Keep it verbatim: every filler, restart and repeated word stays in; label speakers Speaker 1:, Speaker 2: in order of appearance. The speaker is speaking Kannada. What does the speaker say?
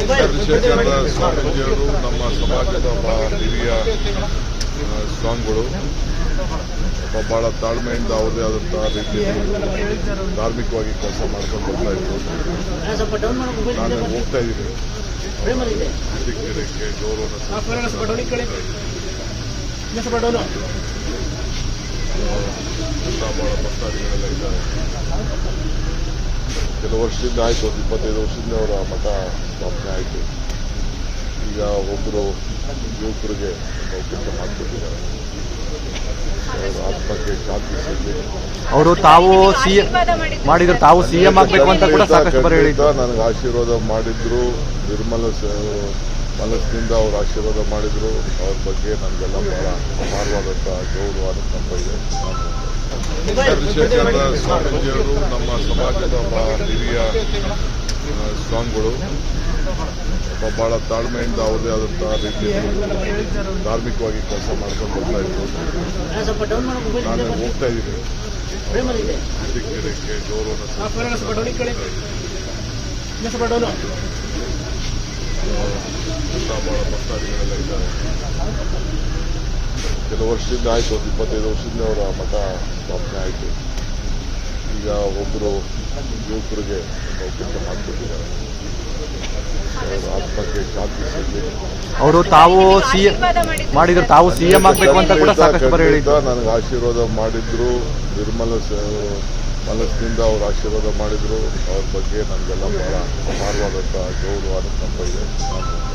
Speaker 1: ಚಂದ್ರಶೇಖರ ಸ್ವಾಮೀಜಿಯವರು ನಮ್ಮ ಸಮಾಜದ ಒಬ್ಬ ಹಿರಿಯ ಸ್ವಾಮಿಗಳು. ಬಹಳ ತಾಳ್ಮೆಯಿಂದ ಅವರದೇ ಆದಂತಹ ರೀತಿಯಲ್ಲಿ ಧಾರ್ಮಿಕವಾಗಿ ಕೆಲಸ ಮಾಡ್ಕೊಂಡು ಬರ್ತಾ ಇದ್ರು. ನಾನು ಹೋಗ್ತಾ ಇದ್ದೀನಿ ಗಿಡಕ್ಕೆ ಗೌರವ ಬಹಳ ಭಕ್ತಾದಿಗಳೆಲ್ಲ ಇದ್ದಾರೆ. ಕೆಲವು ವರ್ಷದಿಂದ ಆಯಿತು, ಒಂದು ಇಪ್ಪತ್ತೈದು ವರ್ಷದಿಂದ ಅವರ ಮಠ ಸ್ಥಾಪನೆ ಆಯಿತು. ಈಗ ಒಬ್ಬರು ಯುವಕರಿಗೆ ಕೆಲಸ ಮಾಡಿಕೊಟ್ಟಿದ್ದಾರೆ. ಅವರ ಆತ್ಮಕ್ಕೆ ಶಾಂತಿ ಸಿಗಲಿ.
Speaker 2: ಅವರು ತಾವು ಸಿಎಂ ಮಾಡಿದ್ರು, ತಾವು ಸಿಎಂ ಆಗಬೇಕು ಅಂತ ಕೂಡ ಸಾಕಷ್ಟು ಬರ ಹೇಳಿದ್ರು.
Speaker 1: ನನಗೆ ಆಶೀರ್ವಾದ ಮಾಡಿದ್ರು, ನಿರ್ಮಲ ಮನಸ್ಸಿನಿಂದ ಅವರು ಆಶೀರ್ವಾದ ಮಾಡಿದ್ರು. ಅವ್ರ ಬಗ್ಗೆ ನನಗೆಲ್ಲ ಬಹಳ ಅಪಾರವಾದಂತಹ ಗೌರವ ಅನುಕಂಪ ಇದೆ. ಚಂದ್ರಶೇಖರ ಸ್ವಾಮೀಜಿಯವರು ನಮ್ಮ ಸಮಾಜದ ಒಬ್ಬ ಹಿರಿಯ ಸ್ವಾಮಿಗಳು. ಬಹಳ ತಾಳ್ಮೆಯಿಂದ ಅವರದೇ ಆದಂತಹ ರೀತಿಯಲ್ಲಿ ಧಾರ್ಮಿಕವಾಗಿ ಕೆಲಸ ಮಾಡ್ಕೊಂಡು ಬರ್ತಾ ಇದ್ರು. ನಾನು ಹೋಗ್ತಾ ಇದ್ದೀನಿ ಗಿಡಕ್ಕೆ ಗೌರವ ಬಹಳ ಭಕ್ತಾದಿಗಳೆಲ್ಲ ಇದ್ದಾರೆ. ಕೆಲವು ವರ್ಷದಿಂದ ಆಯಿತು, ಒಂದು ಇಪ್ಪತ್ತೈದು ವರ್ಷದಿಂದ ಅವರ ಮಠ ಸ್ಥಾಪನೆ ಆಯಿತು. ಈಗ ಒಬ್ಬರು ಯುವಕರಿಗೆ ಕೆಲಸ ಮಾಡಿಕೊಟ್ಟಿದ್ದಾರೆ. ಅವರ ಆತ್ಮಕ್ಕೆ ಶಾಂತಿ ಸಿಗಲಿ.
Speaker 2: ಅವರು ತಾವು ಸಿಎಂ ಮಾಡಿದ್ರು, ತಾವು ಸಿಎಂ ಆಗಬೇಕು ಅಂತ ಕೂಡ ಸಾಕಷ್ಟು ಬರ ಹೇಳಿದ್ರು.
Speaker 1: ನನಗೆ ಆಶೀರ್ವಾದ ಮಾಡಿದ್ರು, ನಿರ್ಮಲ ಮನಸ್ಸಿನಿಂದ ಅವರು ಆಶೀರ್ವಾದ ಮಾಡಿದ್ರು. ಅವ್ರ ಬಗ್ಗೆ ನನಗೆಲ್ಲ ಬಹಳ ಅಪಾರವಾದಂತಹ ಗೌರವ ಅನುಕಂಪ ಇದೆ.